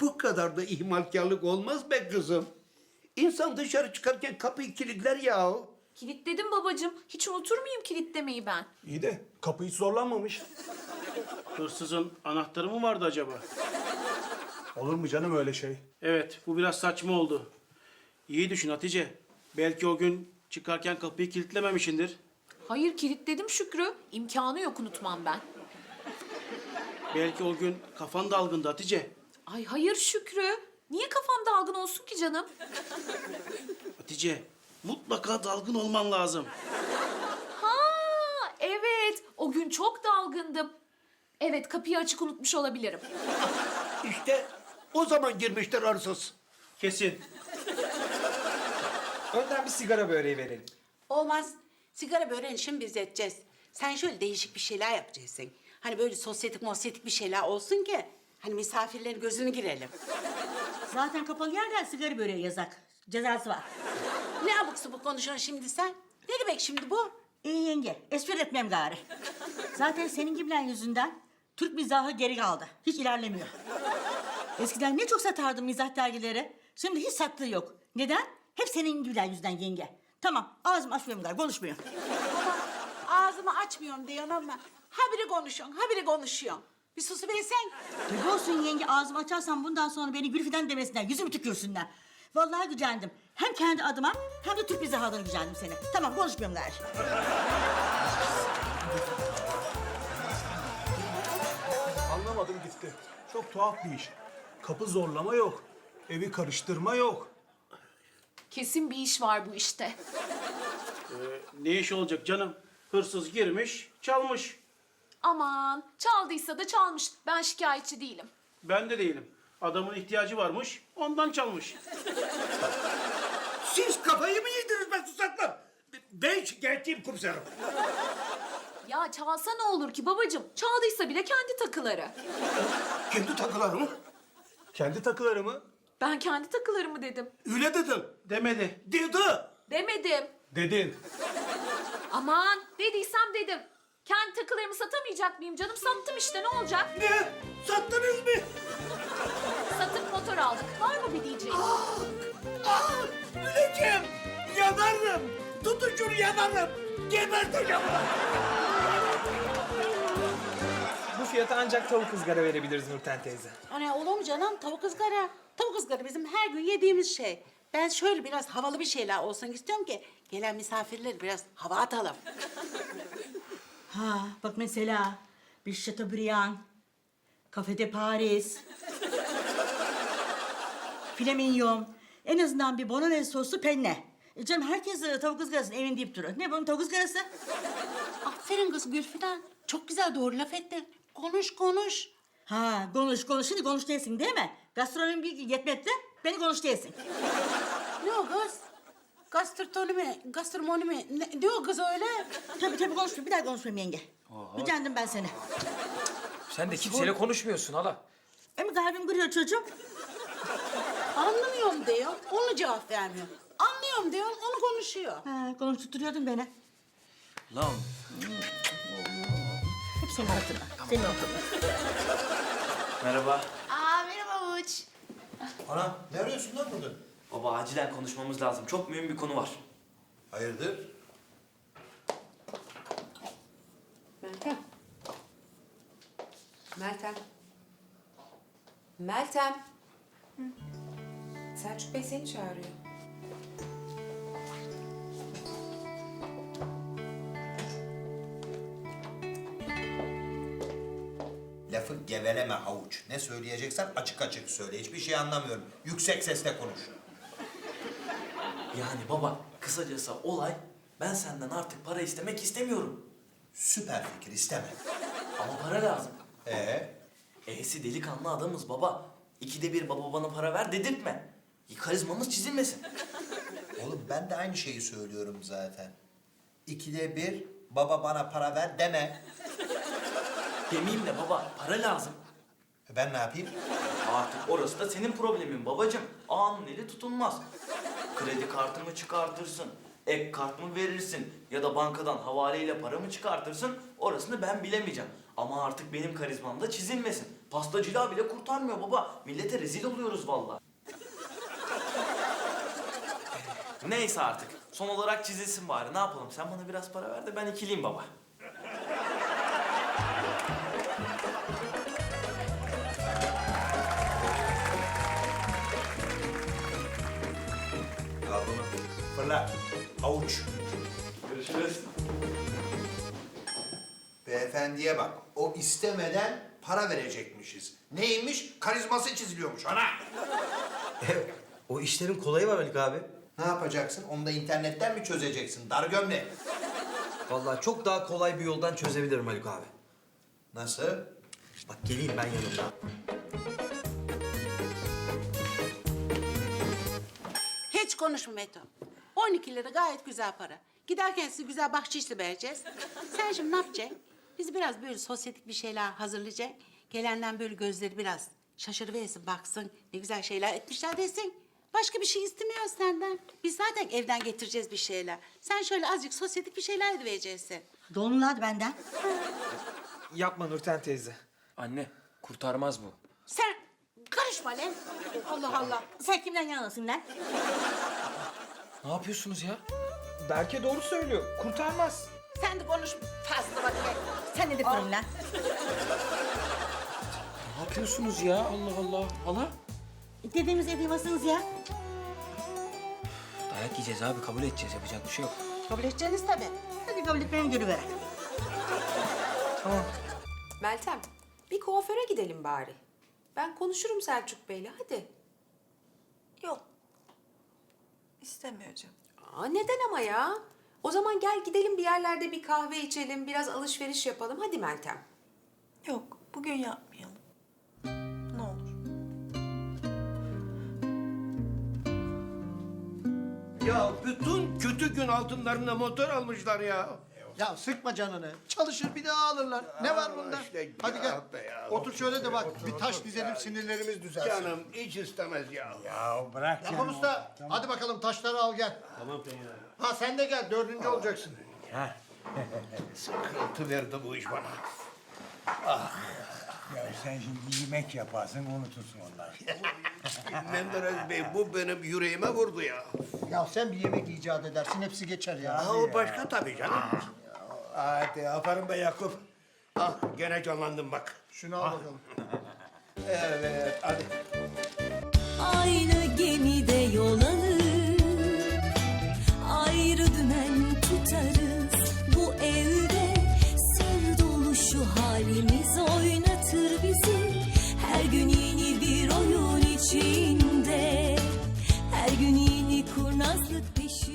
Bu kadar da ihmalkarlık olmaz be kızım. İnsan dışarı çıkarken kapıyı kilitler yahu. Kilitledim babacığım. Hiç unutur muyum kilitlemeyi ben? İyi de kapı hiç zorlanmamış. Hırsızın anahtarı mı vardı acaba? Olur mu canım öyle şey? Evet, bu biraz saçma oldu. İyi düşün Hatice. Belki o gün çıkarken kapıyı kilitlememişindir. Hayır kilitledim Şükrü. İmkanı yok unutmam ben. Belki o gün kafan dalgındı Hatice. Ay hayır Şükrü. Niye kafam dalgın olsun ki canım? Hatice, mutlaka dalgın olman lazım. Ha evet. O gün çok dalgındım. Evet kapıyı açık unutmuş olabilirim. İşte o zaman girmiştir hırsız. Kesin. Önden bir sigara böreği verelim. Olmaz. Sigara böreğini şimdi biz edeceğiz. Sen şöyle değişik bir şeyler yapacaksın. Hani böyle sosyetik bir şeyler olsun ki... ...hani misafirlerin gözünü girelim. Zaten kapalı yerden sigara böreği yazak. Cezası var. Ne abuk sabuk konuşuyorsun şimdi sen? Ne demek şimdi bu? İyi yenge, espri etmem gari. Zaten senin gibiler yüzünden Türk mizahı geri kaldı. Hiç ilerlemiyor. Eskiden ne çok satardım mizah dergileri. Şimdi hiç sattığı yok. Neden? Hep senin gibiler yüzünden yenge. Tamam, ağzımı açmıyorum gari, konuşmuyorum. Ağzımı açmıyorum diyorsun ama... ...habire konuşuyorsun, habire konuşuyorsun. Bir susuversen. Tabii olsun yenge, ağzımı açarsam bundan sonra beni Gülfidan demesinler, yüzümü tükürsünler. Vallahi gücendim. Hem kendi adıma hem de Türk mizahı adına gücendim seni. Tamam, konuşmuyorum gari. Anlamadım gitti. Çok tuhaf bir iş. Kapı zorlama yok. Evi karıştırma yok. Kesin bir iş var bu işte. Ne iş olacak canım? Hırsız girmiş, çalmış. Aman çaldıysa da çalmış. Ben şikayetçi değilim. Ben de değilim. Adamın ihtiyacı varmış, ondan çalmış. Siz kafayı mı yediniz be susaklar? Ben şikayetçiyim komiserim. Ya çalsa ne olur ki babacığım? Çaldıysa bile kendi takıları. Kendi takılar mı? Kendi takıları mı? Ben kendi takılarımı dedim. Öyle dedim. Demedi. Dedi. Demedim. Dedin. Aman dediysem dedim. Kendi takılarımı satamayacak mıyım canım? Sattım işte ne olacak? Ne? Sattınız mı? Satıp motor aldık. Var mı bir diyeceğin? Öleceğim. Yanarım. Tutun şunu yanarım. Geberteceğim. Bu fiyata ancak tavuk ızgara verebiliriz Nurten teyze. Hani olur mu canım? Tavuk ızgara. Tavuk ızgara bizim her gün yediğimiz şey. Ben şöyle biraz havalı bir şeyler olsun istiyorum ki... ...gelen misafirleri biraz hava atalım. Ha bak mesela bir Chateaubriand, Café de Paris, filet mignon, en azından bir bolognese soslu penne. Canım herkes tavuk ızgarasını evin deyip duruyor. Ne bunun tavuk ızgarası? Aferin kız Gülfidan. Çok güzel doğru laf ettin. Konuş konuş. Ha konuş. Şimdi konuş değilsin değil mi? Gastronomi bir yetmedi, beni konuş değilsin. Ne o kız? Gastronomi mi? Ne o kız öyle? Tabii konuşma. Bir daha konuşmayayım yenge. Gücendim ben seni. Sen de kimseyle konuşmuyorsun hala. Ama kalbim kırıyor çocuğum. Anlamıyorum diyor, onu cevap vermiyor. Anlıyorum diyor, onu konuşuyor. Ha, konuşturuyordun beni. Lan. Hep senin hatırına. Senin hatırına. Merhaba. Merhaba Uç. Ana ne arıyorsun lan burada? Baba acilen konuşmamız lazım. Çok mühim bir konu var. Hayırdır? Meltem. Meltem. Meltem. Selçuk Bey seni çağırıyor. Lafı geveleme havuç. Ne söyleyeceksen açık açık söyle. Hiçbir şey anlamıyorum. Yüksek sesle konuş. Yani baba, kısacası olay, ben senden artık para istemek istemiyorum. Süper fikir, isteme. Ama para lazım. Ee? Delikanlı adamız baba. İkide bir baba bana para ver dedirtme. Karizmamız çizilmesin. Oğlum ben de aynı şeyi söylüyorum zaten. İkide bir baba bana para ver deme. Demeyeyim de baba, para lazım. Ben ne yapayım? Artık orası da senin problemin babacığım. Ağanın eli tutulmaz. Kredi kartımı çıkartırsın, ek kart mı verirsin ya da bankadan havaleyle para mı çıkartırsın orasını ben bilemeyeceğim. Ama artık benim karizmam da çizilmesin. Pastacılığa bile kurtarmıyor baba. Millete rezil oluyoruz vallahi. Neyse artık. Son olarak çizilsin bari. Ne yapalım? Sen bana biraz para ver de ben ikiliyim baba. Al bunu. Fırla. Avuç. Görüşürüz. Beyefendiye bak. O istemeden para verecekmişiz. Neymiş? Karizması çiziliyormuş ana. O işlerin kolayı var Haluk abi. Ne yapacaksın? Onu da internetten mi çözeceksin? Dar gömlek. Vallahi çok daha kolay bir yoldan çözebilirim Haluk abi. Nasıl? Bak geleyim ben yanımda. Hiç konuşma Meto. 12 lira gayet güzel para. Giderken size güzel bahşişli vereceğiz. Sen şimdi ne yapacaksın? Biz biraz böyle sosyetik bir şeyler hazırlayacak. Gelenden böyle gözleri biraz şaşırıversin, baksın. Ne güzel şeyler etmişler desin. Başka bir şey istemiyoruz senden. Biz zaten evden getireceğiz bir şeyler. Sen şöyle azıcık sosyetik bir şeyler edivereceksin. Donlular benden. Yapma Nurten teyze. Anne, kurtarmaz bu. Sen karışma lan. Allah Allah. Sen kimden yanasın lan? Ne yapıyorsunuz ya? Berke doğru söylüyor. Kurtarmaz. Sen de konuş fazla bakayım. Sen ne diyorsun lan? Ne yapıyorsunuz ya? Allah Allah. Hala? Dediğimiz yapamazsınız ya. Dayak yiyeceğiz abi. Kabul edeceğiz. Yapacak bir şey yok. Kabul edeceğiniz tabii. Hadi kabul etmeni görüver. Meltem, bir kuaföre gidelim bari. Ben konuşurum Selçuk Bey'le, hadi. Yok. İstemiyor canım. Neden ama ya? O zaman gel gidelim bir yerlerde bir kahve içelim, biraz alışveriş yapalım. Hadi Meltem. Yok, bugün yapmayalım. Ne olur. Ya bütün kötü gün altınlarına motor almışlar ya. Ya sıkma canını. Çalışır bir daha alırlar. Ne var bunda? işte Hadi ya gel. be ya. Otur şöyle de bak. Bir taş dizelim sinirlerimiz düzelsin. Canım hiç istemez ya. Yakup Usta hadi bakalım taşları al gel. Tamam. Ha sen de gel 4. olacaksın. Sıkıntı verdi bu iş bana. Ya sen şimdi yemek yaparsın unutursun onları. Menderes Bey bu benim yüreğime vurdu ya. Ya sen bir yemek icat edersin hepsi geçer ya. Ha, o başka tabii canım. Hadi aferin be Yakup. Ah gene canlandım bak. Şunu al bakalım. Evet hadi. Aynı gemide yol alır, ayrı dümen tutarız. Bu evde sır dolu şu halimiz oynatır bizi. Her gün yeni bir oyun içinde, her gün yeni kurnazlık peşinde.